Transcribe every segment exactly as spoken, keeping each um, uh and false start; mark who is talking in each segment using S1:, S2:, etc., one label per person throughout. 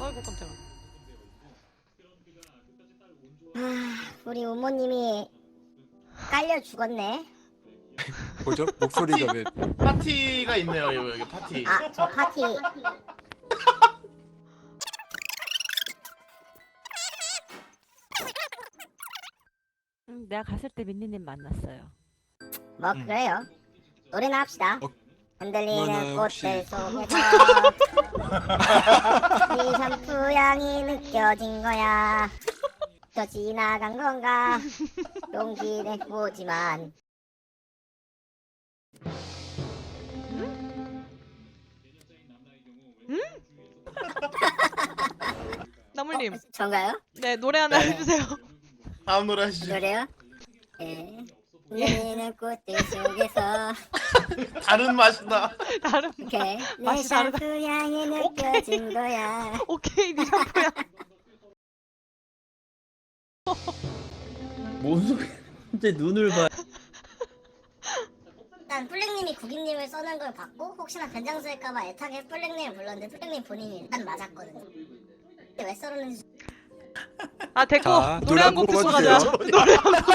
S1: 아이고 깜짝아.
S2: 아, 우리 부모님이 깔려 죽었네.
S3: 뭐죠? 목소리가 왜?
S4: 파티가 있네요. 여기, 여기 파티.
S2: 아, 저 파티.
S5: 음, 내가 갔을 때 민니님 만났어요.
S2: 뭐
S4: 음.
S2: 그래요. 노래나 합시다.
S3: 어,
S2: 흔들리는
S3: 그러면은 혹시-
S2: 꽃들 속에서 네 샴푸 향이 느껴진 거야. 저 지나간 건가? 용기는 보지만
S1: 나물님,
S2: 전가요?
S1: 네 노래 하나
S4: 네.
S1: 해주세요.
S4: 다음 노래 하시죠.
S2: 노래요? 예. 흔들리는 꽃들 속에서
S4: 다른 맛이다.
S1: 다른
S2: 이렇게 내
S1: 맛이 다르다.
S2: 샴푸 향이 느껴진 거야.
S1: 오케이 니 샴푸야.
S6: 뭔 소리? 이제 눈을 봐.
S2: 일단 플랭님이 구기님을 써는 걸 봤고 혹시나 변장 쓸까봐 애타게 플랭님을 불렀는데 플랭님 본인이 일단 맞았거든요. 근데 왜 썰었는지
S1: 아 됐고
S3: 자,
S1: 노래 한 곡 듣고 가자.
S3: 뽑아주세요.
S1: 노래 한 곡.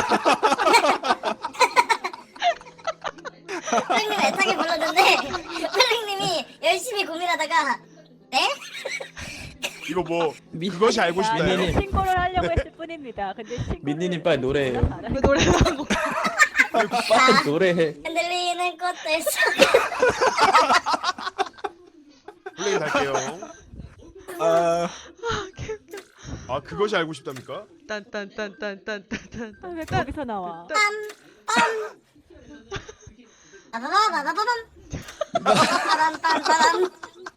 S2: 플랭님 애타게 불렀는데 플랭님이 열심히 고민하다가 네?
S7: 이거 뭐
S6: 미-
S7: 그것이 알고 싶다요?
S6: 민니님.
S5: 신고를 하려고 했을 뿐입니다. 근데 신고를
S6: 민니님 빨리 노래해요.
S1: 왜 노래 한 곡.
S6: 빨리 노래해.
S2: 흔들리는 꽃들 속에
S7: 플레이 갈게요.
S3: 아,
S7: 아 그것이 알고 싶답니까?
S1: 딴딴딴딴딴딴딴.
S5: 아, 왜 거기서 나와?
S2: 빠바바바바밤 빠밤빰빠밤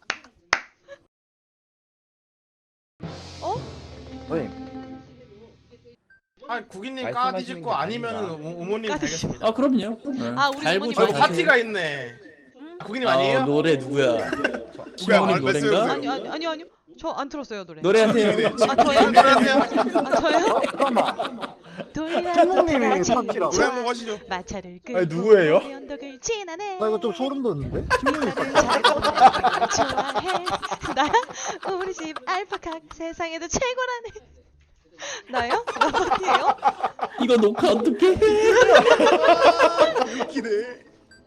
S4: 아, 구기님
S6: 말씀하시는
S4: 까디실
S6: 게
S4: 거 아니면
S6: 아닙니다.
S4: 어머님
S1: 까디실-
S4: 되겠습니다.
S6: 아 그럼요. 네.
S1: 아, 우리
S6: 달고
S1: 어머님
S4: 저희
S6: 저
S1: 아니에요?
S4: 파티가 있네. 아, 구기님 아니에요?
S6: 아, 노래 누구야?
S7: 누가
S6: 신부님
S7: 말씀해
S6: 노래인가?
S7: 주세요.
S1: 아니 아니 아니 아니요. 저 안 들었어요 노래.
S6: 노래하세요.
S1: 아 저요?
S4: 노래하세요.
S1: 아 저요?
S8: 킬러님이 파티라고?
S7: 노래 한곡 하시죠.
S1: 마차를 끌고
S8: 아니, 누구예요?
S1: 언덕을 지나네.
S8: 나 이거 좀 소름 돋는데?
S1: 좋아해. 나야? 우리 집 알파카 세상에도 최고라네. 나요? 나 파티예요?
S6: 이거 녹화 어떻게 해?
S7: 웃기네.